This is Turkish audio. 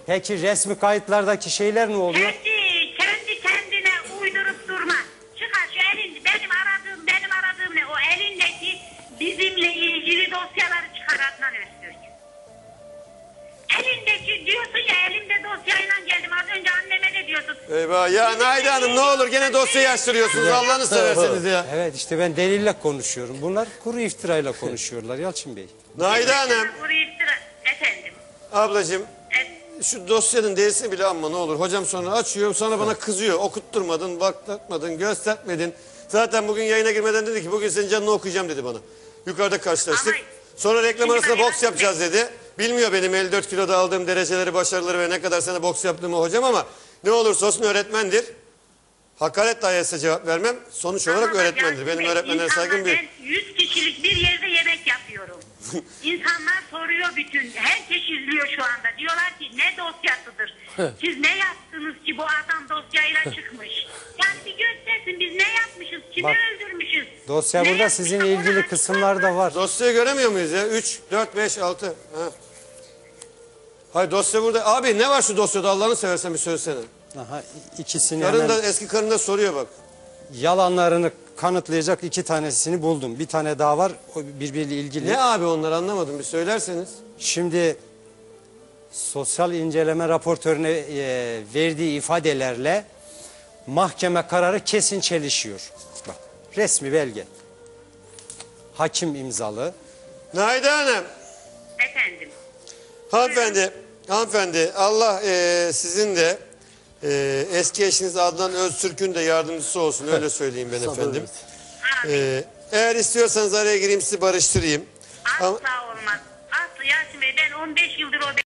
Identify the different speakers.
Speaker 1: Peki resmi kayıtlardaki şeyler ne oluyor?
Speaker 2: Kendi kendine uydurup durma. Çıkar şu elin, benim aradığım ne? O elindeki bizimle ilgili dosyaları çıkar Adnan Öztürk. Elindeki diyorsun ya, elimde dosyayla geldim. Az önce anneme de diyorsun.
Speaker 3: Eyvah ya Naide Hanım, ne olur gene dosyayı açtırıyorsunuz, Allah'ını severseniz ya.
Speaker 1: Evet, işte ben delille konuşuyorum. Bunlar kuru iftirayla konuşuyorlar Yalçın Bey.
Speaker 3: Naide Hanım.
Speaker 2: Efendim.
Speaker 3: Ablacığım, şu dosyanın değilsini bile anma ne olur. Hocam sonra açıyor, sonra bana kızıyor. Okutturmadın, baklatmadın, göstermedin. Zaten bugün yayına girmeden dedi ki bugün senin canını okuyacağım dedi bana. Yukarıda karşılaştık.
Speaker 2: Ama
Speaker 3: sonra reklam
Speaker 2: şimdi
Speaker 3: arasında
Speaker 2: ben
Speaker 3: boks yapacağız dedi. Bilmiyor benim 54 kiloda aldığım dereceleri, başarıları ve ne kadar sene boks yaptığımı hocam, ama ne olursa olsun öğretmendir. Hakaret dahi etse cevap vermem. Sonuç olarak öğretmendir. Benim öğretmenlere saygım büyük.
Speaker 2: Ben 100 kişilik bir yerde yemek yapıyorum. İnsanlar soruyor bütün. Herkes izliyor şu anda. Diyorlar ki ne dosyasıdır? Siz ne yaptınız ki bu adam dosyayla çıkmış? Yani bir göstersin, biz ne yapmışız? Kimi
Speaker 1: Bak,
Speaker 2: öldürmüşüz?
Speaker 1: Dosya
Speaker 2: Ne
Speaker 1: burada,
Speaker 2: yapmışız?
Speaker 1: sizin
Speaker 2: Onu
Speaker 1: ilgili
Speaker 2: açıklar
Speaker 1: kısımlar da
Speaker 2: mı?
Speaker 1: var.
Speaker 3: Dosyayı göremiyor muyuz ya? 3, 4, 5, 6. Ha. Hayır, dosya burada. Abi ne var şu dosyada, Allah'ını seversen bir söylesene.
Speaker 1: Aha, ikisini
Speaker 3: Karın
Speaker 1: hemen,
Speaker 3: da, eski karın da soruyor bak.
Speaker 1: yalanlarını kanıtlayacak 2 tanesini buldum. Bir tane daha var, o birbiriyle ilgili.
Speaker 3: Ne abi onlar, anlamadım, bir söylerseniz.
Speaker 1: Şimdi sosyal inceleme raportörüne verdiği ifadelerle mahkeme kararı kesin çelişiyor. Bak, resmi belge. Hakim imzalı.
Speaker 3: Naide Hanım.
Speaker 2: Efendim.
Speaker 3: Hanımefendi, Allah sizin de eski eşiniz Adnan Öztürk'ün de yardımcısı olsun, öyle söyleyeyim ben efendim. Eğer istiyorsanız araya gireyim, sizi barıştırayım.
Speaker 2: Asla olmaz. Asla Yasin Bey, ben 15 yıldır o